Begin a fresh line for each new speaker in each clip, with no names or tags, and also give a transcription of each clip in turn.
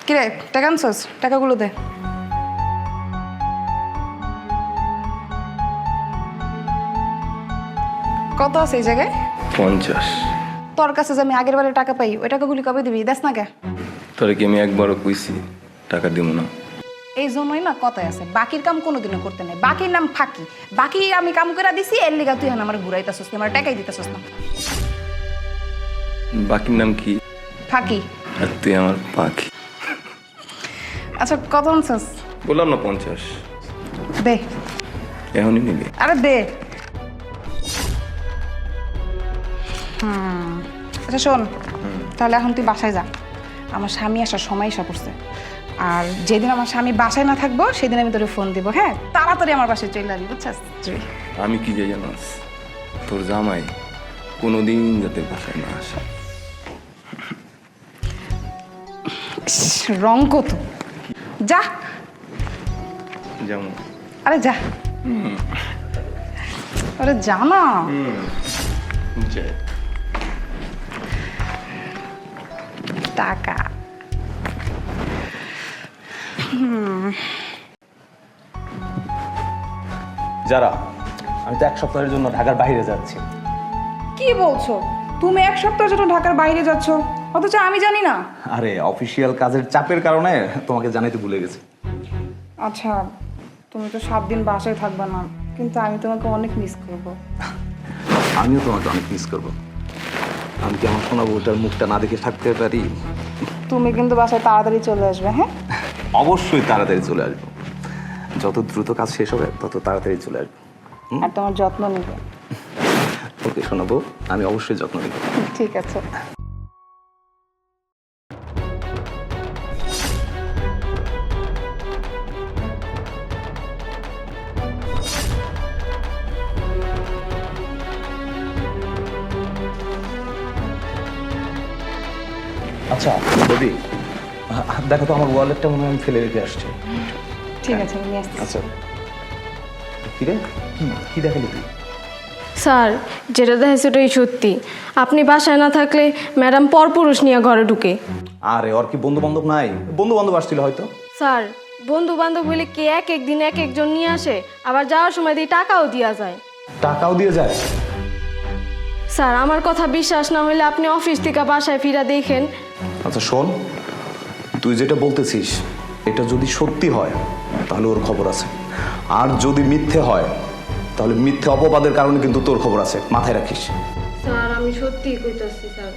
কিরে টাকা আনছস? টাকাগুলো দে। কত আছে এই জায়গায়?
50।
তোর কাছে যে আমি আগের বারে টাকা পাই ওই টাকাগুলি কবে দিবি? দেখ না কে?
তোরে কি আমি একবারও কইছি টাকা দিব না?
এই জন্যই না কথায় আছে বাকির কাম কোনোদিনও করতে নাই। বাকির নাম ফাঁকি। বাকি আমি কাম করে দিছি এর লিগা তুই এখন আমার ঘুরাইতেছস না, আমার টাকাই দিতেছস না।
বাকির নাম কি?
ফাঁকি।
আর তুই আমার পাখি।
আচ্ছা কত আনছস?
বললাম না 50।
দে।
এখনই নিবি?
আরে দে। আচ্ছা শোন, তাহলে এখন তুই বাসায় যা। আমার স্বামী আসার সময় এসে পড়ছে। আর যেদিন আমার স্বামী বাসায় না থাকবো সেদিন আমি তোরে ফোন দিব। হ্যাঁ, তাড়াতাড়ি আমার বাসায় চলে আসবি, বুঝছিস?
আমি কি যাই জানাস, তোর জামাই কোনোদিন যাতে বাসায় না আসে।
রং কত? যা।
যেমন?
আরে যা। আরে যা না।
যাই।
টাকা।
যারা আমি তো 1 সপ্তাহের জন্য ঢাকার বাইরে যাচ্ছি।
কি বলছো? তুমি 1 সপ্তাহের জন্য ঢাকার বাইরে যাচ্ছ, অথচ আমি জানি না?
আরে অফিসিয়াল কাজের চাপের কারণে তোমাকে জানাইতে ভুলে গেছি।
আচ্ছা, তুমি তো 7 দিন বাসায় থাকবে না, কিন্তু আমি তোমাকে অনেক মিস করব।
আমিও তোমাকে অনেক মিস করব। আমি কি আমার সোনা বউটার মুখটা না দেখে থাকতে পারি?
তুমি কিন্তু বাসায় তাড়াতাড়ি চলে আসবে, হ্যাঁ?
অবশ্যই তাড়াতাড়ি চলে আসবো। যত দ্রুত কাজ শেষ হবে তত তাড়াতাড়ি চলে আসবো।
আর তোমার যত্ন নেবে।
ওকে সোনা বউ, আমি অবশ্যই যত্ন নেব।
ঠিক আছে।
আচ্ছা বৌদি, দেখো তো আমার ওয়ালেটটা মনে হয় আমি ফেলে রেখে আসছি।
ঠিক আছে, আমি নিয়ে আসছি।
আচ্ছা কিরে, কি দেখালি তুই?
স্যার, যেটা দেখেছে ওটাই সত্যি। আপনি বাসায় না থাকলে ম্যাডাম পরপুরুষ নিয়ে ঘরে ঢুকে।
আরে ওর কি বন্ধু বান্ধব নাই? বন্ধু বান্ধব আসছিল হয়তো।
স্যার, বন্ধু বান্ধব হইলে কে এক একদিন এক একজন নিয়ে আসে, আবার যাওয়ার সময় দিয়ে টাকাও দেওয়া যায়।
টাকাও দিয়ে যায়?
স্যার, আমার কথা বিশ্বাস না হলে আপনি অফিস থেকে বাসায় ফিরা দেখেন।
আচ্ছা শোন, তুই যেটা বলতেছিস এটা যদি সত্যি হয় তাহলে ওর খবর আছে, আর যদি মিথ্যে হয় তাহলে মিথ্যে অপবাদের কারণে কিন্তু তোর খবর আছে, মাথায় রাখিস।
স্যার, আমি সত্যিই কইতাছি স্যার।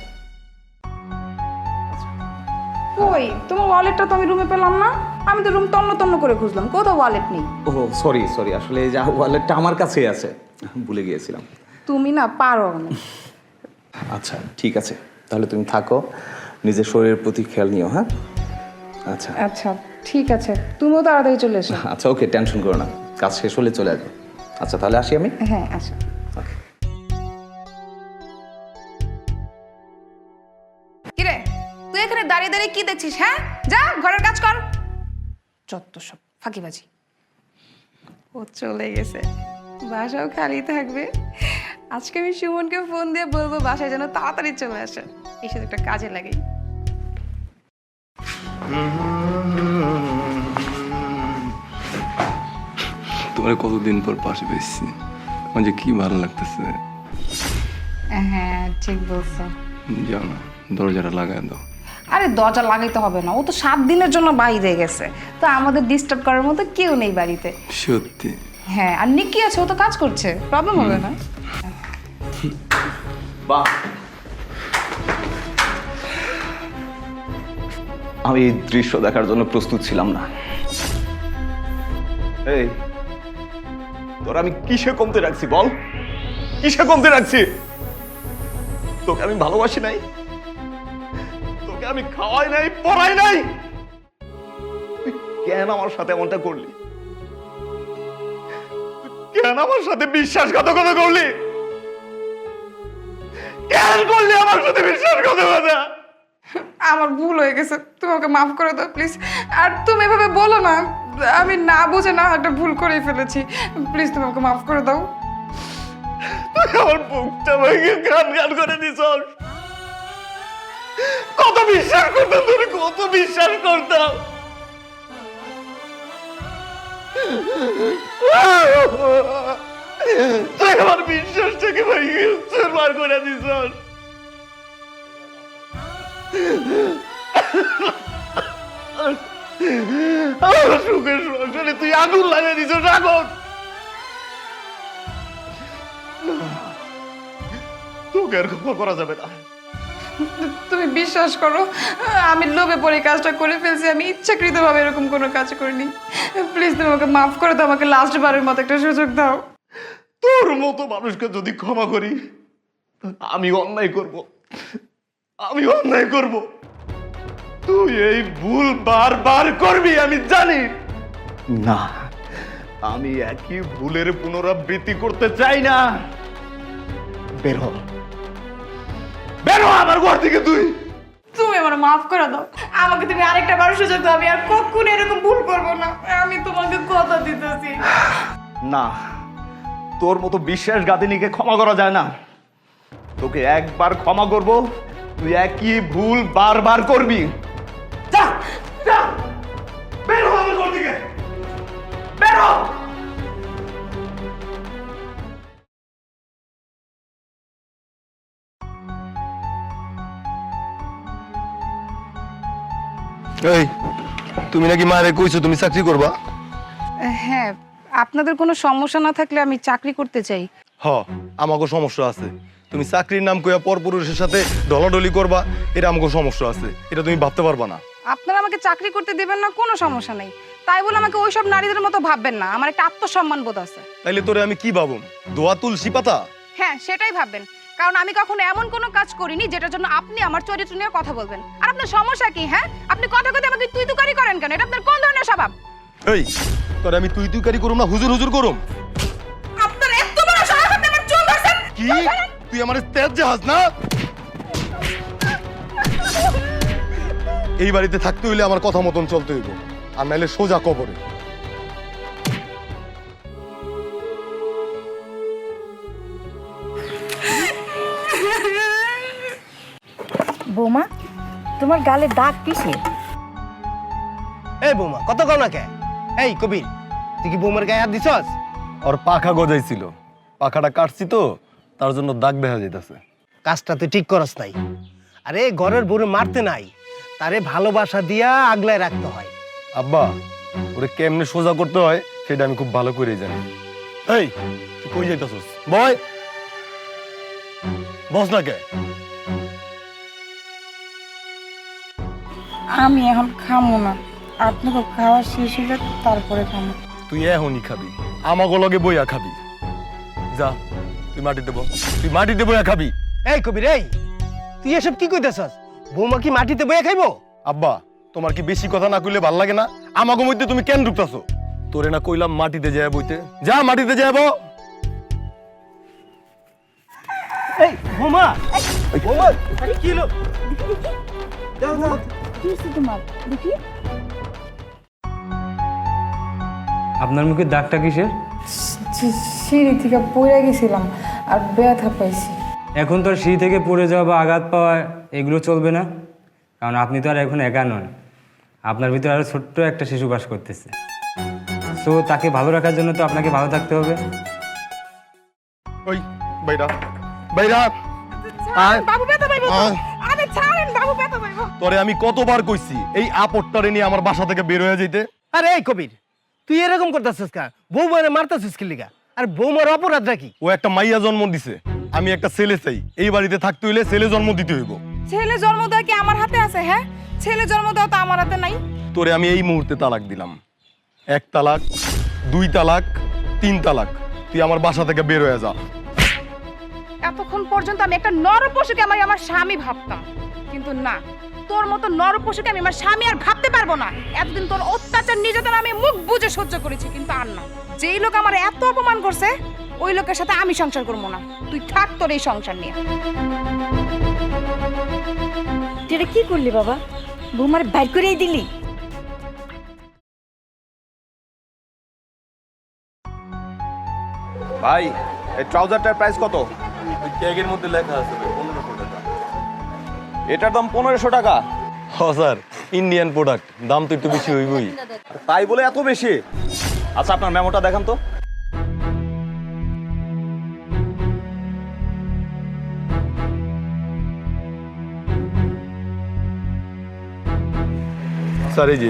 কই তোমার ওয়ালেটটা তো আমি রুমে পেলাম না। আমি তো রুম তন্ন তন্ন করে খুঁজলাম, কোথাও ওয়ালেট নেই।
ও সরি, আসলে এই যে ওয়ালেটটা আমার কাছেই আছে, ভুলে গিয়েছিলাম।
তুমি না পারো না।
আচ্ছা ঠিক আছে, তাহলে তুমি থাকো, নিজের শরীরের প্রতি খেয়াল নিও। হ্যাঁ আচ্ছা
আচ্ছা ঠিক আছে, তুমিও তাড়াতাড়ি চলে এসো।
আচ্ছা ওকে, টেনশন করো না, কাজ শেষ হলে চলে আসবে। আচ্ছা তাহলে আসি আমি।
হ্যাঁ আচ্ছা।
ওকে।
কিরে তুই এখানে দাঁড়িয়ে দাঁড়িয়ে কি দেখছিস? হ্যাঁ, যা ঘরের কাজ কর। যত সব ফাঁকিবাজি। ও চলে গেছে, বাসাও খালি থাকবে। আজকে আমি সুমনকে ফোন দিয়ে বলবো বাসায় যেন তাড়াতাড়ি চলে আসে, এসে একটা কাজে লাগে।
তোমার কতদিন পর পাশে পেয়েছি, আমার যে কি ভালো লাগতেছে।
হ্যাঁ ঠিক বলছো।
যাও না, দরজাটা লাগাই দাও।
আরে দরজা লাগাইতে হবে না, ও তো 7 দিনের জন্য বাইরে গেছে, তো আমাদের ডিস্টার্ব করার মতো কেউ নেই বাড়িতে।
সত্যি?
হ্যাঁ, আর নিকি আছে, ও তো কাজ করছে, প্রবলেম হবে না।
বাহ, আমি এই দৃশ্য দেখার জন্য প্রস্তুত ছিলাম না। এই তোর আমি কিসে কমতে রাখছি বল? কিসে কমতে রাখছি? তোকে আমি ভালোবাসি নাই, তোকে আমি খাওয়াই নাই, পড়াই নাই, তুই কেন আমার সাথে এমনটা করলি? কেন আমার সাথে বিশ্বাসঘাতকতা করলি? কেন করলি আমার সাথে বিশ্বাসঘাতকতা?
আমার ভুল হয়ে গেছে, তুমি ওকে মাফ করে দাও প্লিজ। আর তুমি এভাবে বলো না, আমি না বুঝে না একটা ভুল করে ফেলেছি, প্লিজ তুমি ওকে মাফ করে দাও।
তুই আমার বুকটা ভেঙে গান গান করে দিছস। কত বিশ্বাস করতাম, তোরে কত বিশ্বাস করতাম। তুই আমার বিশ্বাসটাকে ভাই চুরমার করে দিস। আমার সুখের সংসারে তুই আগুন লাগিয়ে দিস, আগুন। তোকে আর ক্ষমা করা যাবে না।
তুমি বিশ্বাস করো, আমি লোভে পড়ে কাজটা করে ফেলছি। আমি ইচ্ছাকৃতভাবে এরকম কোনো কাজ করিনি। প্লিজ তুমি আমাকে মাফ করে দাও, আমাকে লাস্ট বারের মতো একটা সুযোগ দাও।
তোর মতো মানুষকে যদি ক্ষমা করি, আমি অন্যায় করব, আমি অন্যায় করব। তুই এই ভুল বারবার করবি আমি জানি না। আমি একই ভুলের পুনরাবৃত্তি করতে চাই না। বের হ, বের হ আমার ঘর থেকে।
তুমি আমার মাফ করে দাও, আমাকে তুমি আরেকটা বার সুযোগ দাও। আমি আর কখনো এরকম ভুল করবো না, আমি তোমাকে কথা দিতেছি।
না, তোর মতো বিশ্বাসঘাতিনীকে ক্ষমা করা যায় না। তোকে একবার ক্ষমা করব, তুই একই ভুল বারবার করবি। যা যা, বের হ আমার ঘর থেকে, বের হ।
এই তুমি নাকি মারে কইছো তুমি চাকরি করবা?
হ্যাঁ, আপনাদের কোনো সমস্যা না থাকলে আমি চাকরি করতে চাই।
হ, আমাকে সমস্যা আছে। তুমি চাকরির নাম কইয়া পরপুরুষের সাথে ডলাডলি করবা, এটা আমাকে সমস্যা আছে। এটা তুমি ভাবতে পারবা না।
আপনারা আমাকে চাকরি করতে দেবেন না, কোনো সমস্যা নেই। তাই বলে আমাকে ওইসব নারীদের মতো ভাববেন না। আমার একটা আত্মসম্মান বোধ আছে।
তাইলে তোরে আমি কি ভাবুম? দোয়া তুলসী পাতা?
হ্যাঁ, সেটাই ভাববেন। কারণ আমি কখনো এমন কোনো কাজ করিনি যেটার জন্য আপনি আমার চরিত্র নিয়ে কথা বলবেন। আর আপনার সমস্যা কি? হ্যাঁ, আপনি কথা কথা আমাকে তুই তুকারি করেন কেন? এটা আপনার কোন ধরনের স্বভাব?
এই তোরে আমি তুই তুইকারি করুম না হুজুর হুজুর করুম?
আপনার এত বড় সাহস, আপনি আমার চুল ধরছেন?
কি তুই আমার তেজ জাহাজ না? এই বাড়িতে থাকতে হইলে আমার কথা মতন চলতে হইব, আর নাইলে সোজা কবরে।
বৌমা, তোমার গালে দাগ কিসে?
এই বৌমা, কত কও না কে? এই কবির, তুই কি বৌমার গায়ে হাত দিছস?
ওর পাখা গজাইছিল, পাখাটা কাটছি তো তার জন্য দাগ দেখা যাইতাছে।
কাজটা তুই ঠিক করস নাই। আরে ঘরের বউরে মারতে নাই, তারে ভালোবাসা দিয়া আগলায় রাখতে হয়।
আব্বা, ওরে কেমনে সোজা করতে হয় সেটা আমি খুব ভালো করেই জানি। এই তুই কই যাইতাছস? বয় বস না কে?
আমি এখন খামো না, আপনাকে খাওয়া শেষ হলে তারপরে খামো।
তুই এখনই খাবি, আমাকে লগে বইয়া খাবি। যা তুই মাটিতে বস, তুই মাটিতে বইয়া খাবি।
এই কবির, এই তুই এসব কি কইতেছস? বৌমা কি মাটিতে বইয়া খাইবো?
আব্বা, তোমার কি বেশি কথা না কইলে ভাল লাগে না? আমাকে মধ্যে তুমি কেন ঢুকতাছো? তোরে না কইলাম মাটিতে যায় বইতে, যা মাটিতে যায় বউ।
এই বৌমা, বৌমা কি হলো? যাও যাও।
কি হয়েছে তোমার? দেখি।
আপনার মুখে দাগটা কিসের?
সিঁড়ি থেকে পড়ে গেছিলাম আর ব্যথা পাইছি।
এখন তো আর সিঁড়ি থেকে পড়ে যাওয়া বা আঘাত পাওয়া এগুলো চলবে না, কারণ আপনি তো আর এখন একা নন। আপনার ভিতরে আরো ছোট্ট একটা শিশু বাস করতেছে। সো তাকে ভালো রাখার জন্য তো আপনাকে ভালো থাকতে হবে।
ওই বাইরা বাইরা, আয়।
বাবু ব্যথা পাইবো তো।
আয়।
আরে ছাড়েন, বাবু ব্যথা পাইবো।
তোরে আমি কতবার কইছি এই আপটটারে নিয়ে আমার বাসা থেকে বের হয়ে যাইতে?
আরে এই কবির, তুই এরকম করতেছিস কেন? বৌমারে মারতেছিস কি লিগা? আর বৌমার অপরাধটা কি?
ও একটা মাইয়া জন্ম দিছে, আমি একটা ছেলে চাই। এই বাড়িতে থাকতে হইলে ছেলে জন্ম দিতে হইব।
ছেলে জন্ম দেওয়া কি আমার হাতে আছে? হ্যাঁ, ছেলে জন্ম দেওয়া তো আমার হাতে নাই।
তোরে আমি এই মুহূর্তে তালাক দিলাম। 1 তালাক, 2 তালাক, 3 তালাক। তুই আমার বাসা থেকে বের হয়ে যা।
এতক্ষণ পর্যন্ত আমি একটা নরপশুকে আমার স্বামী ভাবতাম, কিন্তু না, তোর মতো নরপশুকে আমি আমার স্বামী আর ভাবতে পারবো না। এতদিন তোর অত্যাচার নির্যাতন আমি মুখ বুজে সহ্য করেছি, কিন্তু আর না। যেই লোক আমার এত অপমান করছে, ওই লোকের সাথে আমি সংসার করবো না। তুই থাক তোর এই সংসার নিয়ে।
তুই এটা কি করলি বাবা? বৌমার বাইর করেই দিলি?
ভাই, এই ট্রাউজারটার প্রাইস কত?
ওই ট্যাগের মধ্যে লেখা আছে 1500 টাকা।
এটার দাম 1500 টাকা।
স্যার ইন্ডিয়ান প্রোডাক্ট, দাম তো একটু বেশি হইবই।
তাই বলে এত বেশি? আচ্ছা আপনার মেমোটা দেখান তো।
স্যার এই যে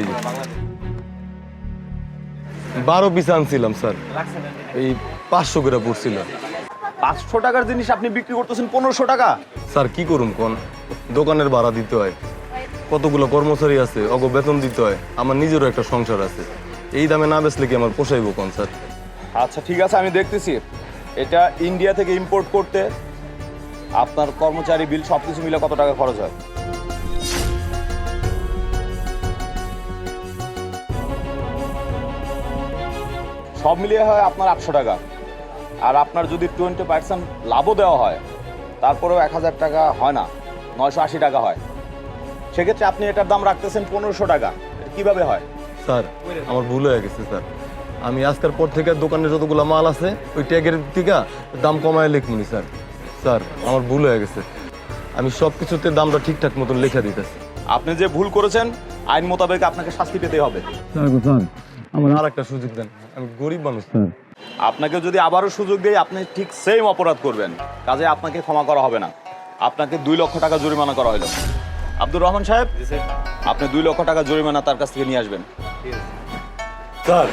12 পিস আনছিলাম স্যার, এই 500 করে পড়ছিল।
500 টাকার জিনিস আপনি বিক্রি করতেছেন 1500 টাকা?
স্যার কি করুন কোন, দোকানের ভাড়া দিতে হয়, কতগুলো কর্মচারী আছে, অগ বেতন দিতে হয়, আমার নিজেরও একটা সংসার আছে। এই দামে না বেচলে কি আমার পোষাইব কোন স্যার?
আচ্ছা ঠিক আছে, আমি দেখতেছি। এটা ইন্ডিয়া থেকে ইম্পোর্ট করতে আপনার কর্মচারী বিল সবকিছু মিলে কত টাকা খরচ হয়? সব মিলিয়ে হয় আপনার 800 টাকা। আর আপনার যদি 20% লাভও দেওয়া হয় তারপরেও 1000 টাকা হয় না, 980 টাকা হয়। সেক্ষেত্রে আপনি এটার দাম রাখতেছেন 1500 টাকা। এটা কিভাবে হয়?
স্যার আমার ভুল হয়ে গেছে স্যার, আমি আজকের পর থেকে দোকানে যতগুলো মাল আছে ওই ট্যাগের থেকে দাম কমায় লিখমুনি স্যার। স্যার আমার ভুল হয়ে গেছে, আমি সব কিছুতে দামটা ঠিকঠাক মতন লেখা দিতেছি।
আপনি যে ভুল করেছেন আইন মোতাবেক আপনাকে শাস্তি পেতে হবে।
স্যার আমার আর একটা সুযোগ দেন, আমি গরিব মানুষ স্যার।
আপনাকে যদি আবারও সুযোগ দেয় আপনি ঠিক সেম অপরাধ করবেন, কাজে আপনাকে ক্ষমা করা হবে না। আপনাকে 2 লক্ষ টাকা জরিমানা করা হলো। আব্দুর রহমান সাহেব, আপনি 2 লক্ষ টাকা জরিমানা তার কাছ থেকে নিয়ে আসবেন।
স্যার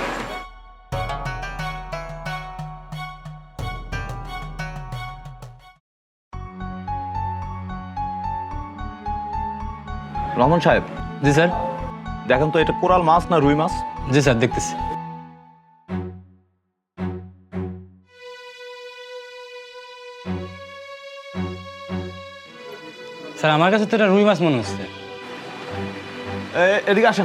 রহমান সাহেব,
জি স্যার।
দেখেন তো এটা কোরাল মাছ না রুই মাছ?
জি স্যার, দেখতেছি। স্যার আমার কাছে তো এটা রুই মাছ মনে হচ্ছে।
এদিকে আসেন।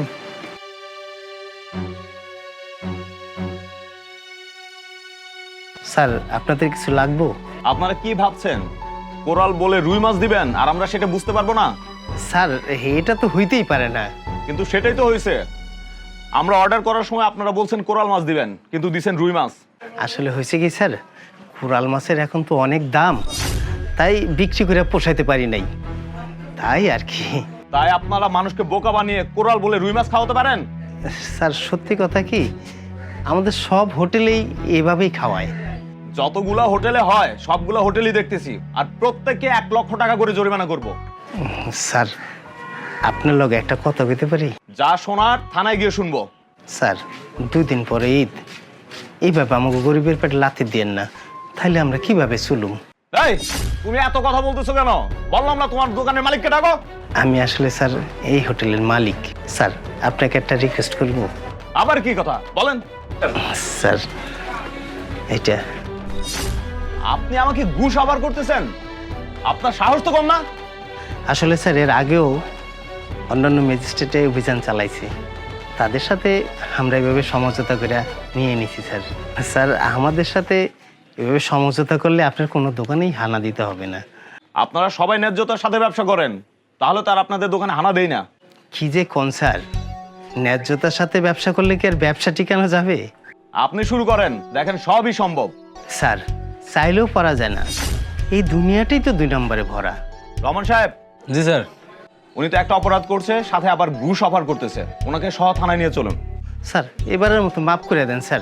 স্যার আপনাদের কিছু লাগবো?
আপনারা কি ভাবছেন কোরাল বলে রুই মাছ দিবেন আর আমরা সেটা বুঝতে পারবো না?
স্যার এটা তো হইতেই পারে না।
কিন্তু সেটাই তো হয়েছে। আমরা অর্ডার করার সময় আপনারা বলছেন কোরাল মাছ দিবেন, কিন্তু দিছেন রুই মাছ।
আসলে হয়েছে কি স্যার, কোরাল মাছের এখন তো অনেক দাম, তাই বিক্রি করে পোষাইতে পারি নাই, তাই আর কি।
তাই আপনারা মানুষকে বোকা বানিয়ে কোরাল বলে রুই মাছ খাওয়াতে পারেন?
স্যার সত্যি কথা কি, আমাদের সব হোটেলেই এভাবেই খাওয়ায়।
যতগুলা হোটেলে হয় সবগুলা হোটেলই দেখতেছি, আর প্রত্যেককে 1 লক্ষ টাকা করে জরিমানা করব।
স্যার আপনার লগে একটা কথা বলতে পারি?
যা শোনার থানায় গিয়ে শুনবো।
স্যার 2 দিন পরে ঈদ, এইভাবে আমাকে গরিবের পেটে লাথি দিয়েন না, তাহলে আমরা কিভাবে চলুম?
এই তুমি এত কথা বলতেছো কেন? বললাম না তোমার দোকানের মালিককে ডাকো।
আমি আসলে স্যার এই হোটেলের মালিক। স্যার আপনাকে একটা রিকোয়েস্ট করব।
আবার কি কথা বলেন?
স্যার এটা
আপনি আমাকে ঘুষ আবার করতেছেন? আপনার সাহস তো কম না?
আসলে স্যার এর আগেও অন্যান্য ম্যাজিস্ট্রেটে অভিযান চালাইছে, তাদের সাথে আমরা এভাবে সমঝোতা করে নিয়ে নিছি স্যার। স্যার আমাদের সাথে এভাবে সমঝোতা করলে আপনার কোনো দোকানেই হানা দিতে হবে না।
আপনারা সবাই ন্যায্যতার সাথে ব্যবসা করেন, তাহলে তার আপনাদের দোকানে হানা দেই না।
কি যে কোন স্যার, ন্যায্যতার সাথে ব্যবসা করলে কি আর ব্যবসা টিকানো যাবে?
আপনি শুরু করেন, দেখেন সবই সম্ভব।
স্যার চাইলেও পারা যায় না, এই দুনিয়াটাই তো 2 নম্বরে ভরা।
রহমান সাহেব।
জি স্যার।
উনি তো একটা অপরাধ করছে, সাথে আবার ঘুষ অফার করতেছে। ওনাকে সহ থানায় নিয়ে চলুন।
স্যার এবারের মতো মাফ করে দেন স্যার।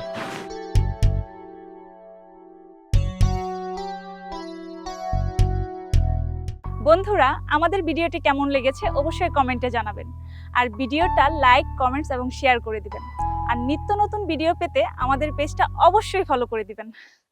বন্ধুরা, আমাদের ভিডিওটি কেমন লেগেছে অবশ্যই কমেন্টে জানাবেন। আর ভিডিওটা লাইক, কমেন্টস এবং শেয়ার করে দিবেন। আর নিত্য নতুন ভিডিও পেতে আমাদের পেজটা অবশ্যই ফলো করে দিবেন।